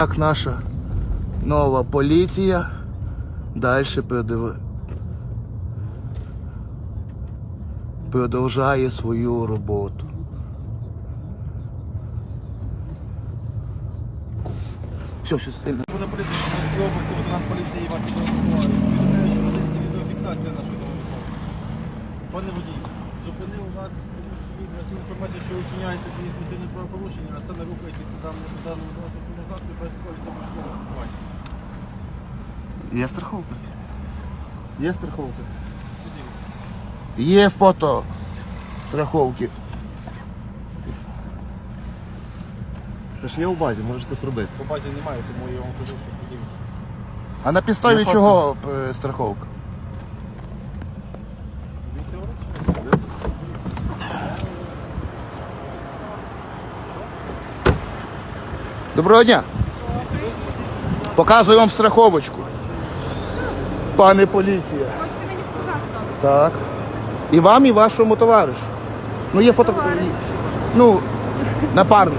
Так наша нова поліція далі продовжує свою роботу. Все сильно. Буде поліція Чернівецької області, лейтенант поліції Іван Федоров. Відеофіксація відеофіксація нашої телефону. Пане водій, зупинив вас, тому що він нас інформацію, що ви вчиняєте адміністративне правопорушення, а саме рухаєтеся даному транспортному засобі без полісу маршрутного паркування. Є страховка? Є страховка? Є фото страховки. Це ж є у базі, можете пробити. По базі немає, тому я вам кажу, що подивіться. А на підставі Є фото. чого страховка? Він теоретично? Доброго дня. Показую вам страховочку. Пане поліція. Хочете мені показати добре? Так. І вам, і вашому товаришу. Ну є фото. Товариш. Ну, напарник.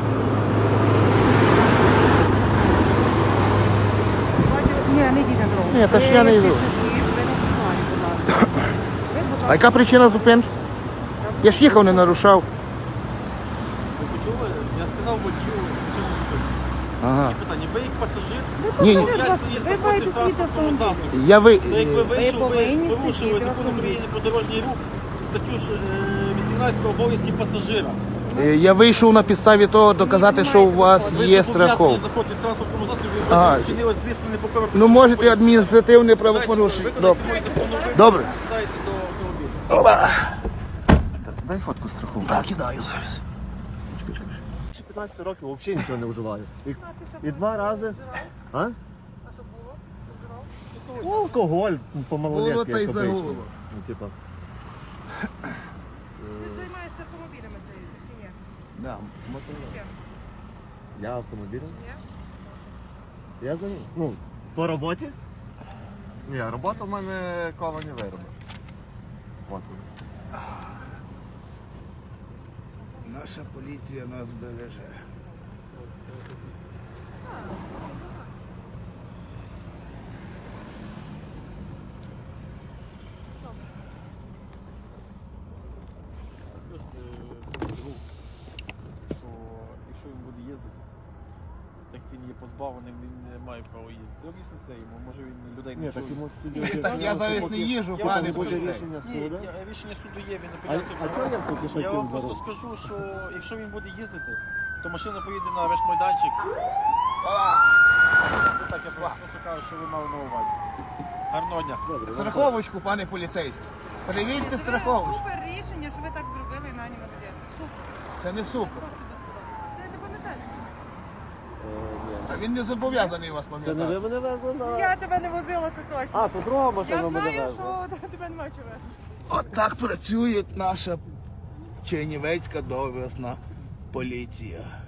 Ні, не йдіть на дорогу. Ні, та ж я не йду. Ви на тротуарі, будь ласка. Ви, будь А ласка. яка причина зупинки? Я ж їхав, не нарушав. Ви почули? Я сказав водію, що не зупинити. Ага. Питання, ви як пасажир? Ні, ні. Будь ласка, ви маєте свій автомобіль. Я ви... Ну, як ви вийшов, ви повинні порушили сидіти в закон автомобілі. України про дорожній рух, статтю 18 обов'язків пасажира. Я вийшов на підставі того доказати, що у вас Ви є зобов'язані страховка. заходити в транспортному засобі, Ага. ви вчинили злісне непокору. Ну можете адміністративне правопорушення. Добре. Добре. Сідайте до автомобіля. Опа. Так, дай фотку страховки. Так, кидаю зараз. Чекай, чекай. Ще 15 років взагалі нічого не вживаю. І 2 рази. А? А що було? Ну, алкоголь по малолетки. Було та й як обично. загуло. Ну, типа. Ти ж займаєшся автомобілями, здається, чи ні? Да, Чим? Я автомобілем. Ні? Я за ним. Ну, по роботі? Ні, робота в мене ковані вироби. От вони. Наша поліція нас береже. Скажете другу, що якщо він буде їздити, так він є позбавленим, він не має права їздити. Об'ясните йому, може він людей Ні, не так чує. йому судді. Так я зараз не їжджу, Я пане вам буде поліцей. рішення Ні, суду. рішення суду є, він А апеляцію чого я поки що Я цим вам просто зараз? скажу, що якщо він буде їздити, то машина поїде на арешт-майданчик. Ну так, я просто кажу, що ви мали на увазі. Гарного дня. Добре, Страховочку, пане поліцейський. Перевірте страховочку. Супер рішення, що ви так зробили і на нього ведете. Супер. Це не супер. Просто безподобно. Ти не пам'ятаєш? ні. А він не зобов'язаний вас Це не пам'ятати. ви мене везли на... Я тебе не возила, це точно. А, то друга машина Я мене знаю, везла. що тебе немає чого везти. От так працює наша Чернівецька доблесна поліція.